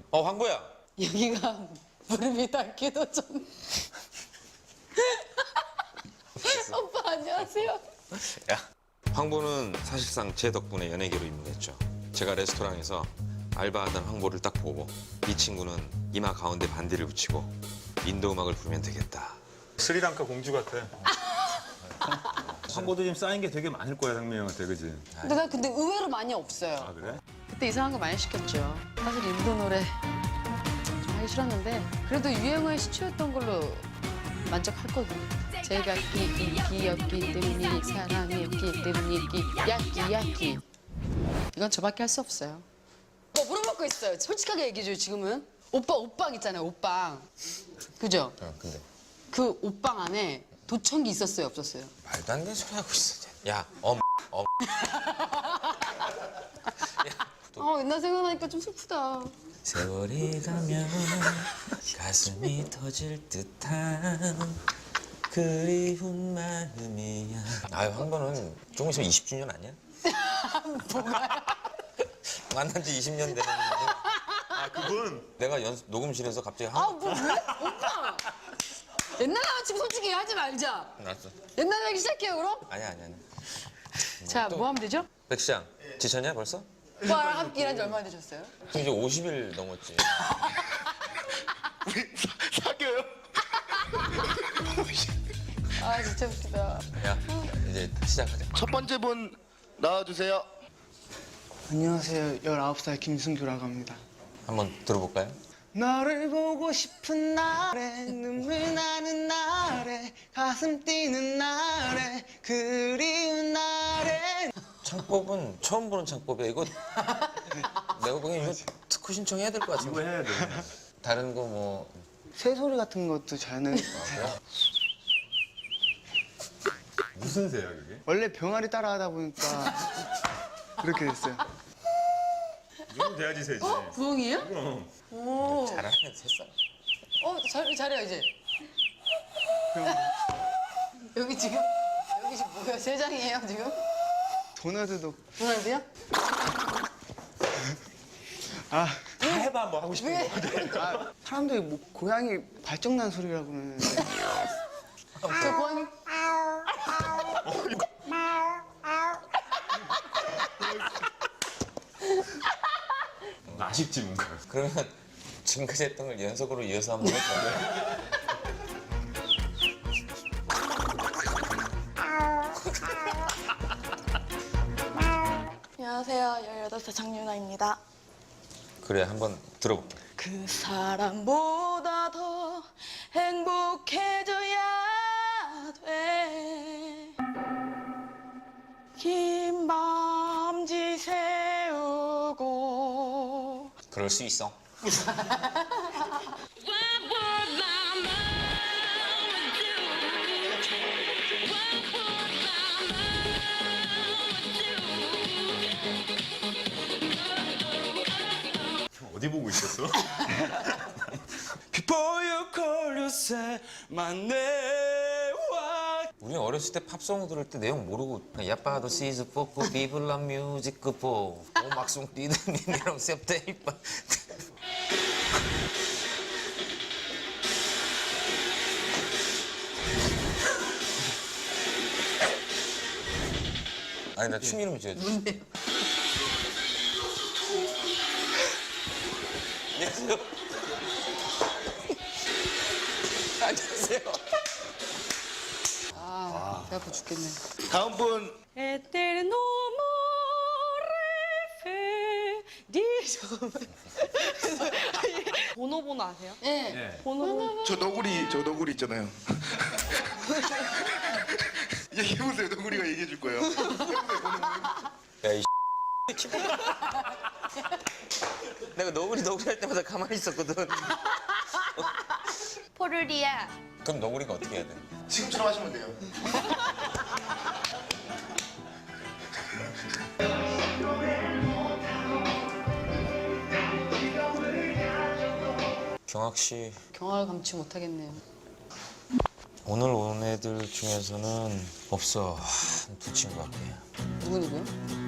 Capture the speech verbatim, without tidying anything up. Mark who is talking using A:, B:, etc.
A: 어, 황보야.
B: 여기가 무릎이 닿기도 전. 오빠 안녕하세요.
A: 야, 황보는 사실상 제 덕분에 연예계로 입문했죠. 제가 레스토랑에서 알바하던 황보를 딱 보고 이 친구는 이마 가운데 반디를 붙이고 인도 음악을 부르면 되겠다.
C: 스리랑카 공주 같아. 황보도 지금 쌓인 게 되게 많을 거야, 상민 형한테, 그지?
B: 근데 나 근데 의외로 많이 없어요.
C: 아, 그래?
B: 그때 이상한 거 많이 시켰죠. 사실 인도 노래 좀 하기 싫었는데 그래도 유행어에 시초였던 걸로 만족했거든요. 제가 끼 인기였기 때문에 사랑이었기 때문에 끼 야끼 야끼 이건 저밖에 할 수 없어요. 뭐 물어먹고 있어요. 솔직하게 얘기해줘요. 지금은 오빠 옷방 있잖아요. 옷방 그죠?
A: 어, 근데
B: 그 옷방 안에 도청기 있었어요? 없었어요?
A: 말도 안 되는 소리 하고 있어. 야, 엄, 엄.
B: 아 옛날 생각나니까 좀 슬프다.
A: 세월이 가면 가슴이 터질 듯한 그리운 마음이야. 아유, 황보는 조금 있으면 이십 주년 아니야?
B: 뭐가요?
A: 만난 지 이십 년 되는
C: 아, 그분?
A: 내가 연, 녹음실에서 갑자기
B: 아
A: 한
B: 뭐 왜? 오빠 옛날 남자친구 솔직히 하지 말자.
A: 났어.
B: 옛날 얘기 시작해요 그럼?
A: 아니야, 아니야. 아니야.
B: 자 뭐 하면 되죠?
A: 백시장, 지쳤냐 벌써?
B: 오빠랑 함께 일한 지 얼마나 되셨어요?
A: 지금 이제 오십 일 넘었지.
C: 사겨요?
B: 아 진짜 웃기다.
A: 야, 이제 시작하자.
D: 첫 번째 분 나와주세요.
E: 안녕하세요. 열아홉 살 김승규라고 합니다.
A: 한번 들어볼까요?
E: 너를 보고 싶은 날에 눈물 나는 날에 가슴 뛰는 날에 그리운 날에
A: 창법은 처음 보는 창법이야. 이거 내가 보기엔 이거 특허 신청해야 될 것
C: 이거
A: 같은데.
C: 해야 돼.
A: 다른 거 뭐
E: 새소리 같은 것도 잘하는
C: 무슨 새야, 그게?
E: 원래 병아리 따라하다 보니까 그렇게 됐어요.
C: 이건 돼야지 새지.
B: 부엉이에요?
C: 그럼.
B: 오.
A: 잘하네, 새싹.
B: 어 잘, 잘해요 이제.
E: 병-
B: 여기 지금 여기 지금 뭐야? 세 장이에요 지금?
E: 도나드도
B: 도날드요?
E: 아,
C: 다 해봐, 뭐 하고 싶은
B: 왜?
C: 거.
E: 아 사람들이 뭐 고양이 발정난 소리라고 그러는데
B: 저 고양이.
C: 아쉽지, 뭔가.
A: 그러면 지금까지 했던 걸 연속으로 이어서 한번 해볼까요?
F: 안녕하세요. 열여덟 살 장윤아입니다.
A: 그래, 한번 들어볼게.
F: 그 사람보다 더 행복해져야 돼. 긴 밤지 새우고
A: 그럴 수 있어.
C: 어디 보고 있었어?
E: Before you call you say my name.
A: 우리 어렸을 때 팝송 들을 때 내용 모르고 야빠도 시즈 뽑고 비블라 뮤직 끄고 오막송 뛰는 니네랑 셉테이빠 아니 나 춤 이름 지어줘.
B: 뭔데요?
A: 안녕하세요. 안녕하세요.
B: 아 배 아파 죽겠네.
D: 다음 분
F: 에테르노 모레 페디소 보노보노 아세요?
B: 네.
C: 네.
F: 보노보노
D: 저 너구리 저 너구리 있잖아요. 얘기해보세요. 너구리가 얘기해줄 거예요.
A: 야, 이 내가 너구리 너구리 할 때마다 가만히 있었거든.
F: 포르리아
A: 그럼 너구리가 어떻게 해야 돼?
D: 지금처럼 하시면 돼요.
A: 경학 씨,
B: 경화를 감추 못하겠네요.
A: 오늘 온 애들 중에서는 없어. 한 두 친구밖에.
B: 누구 누구요?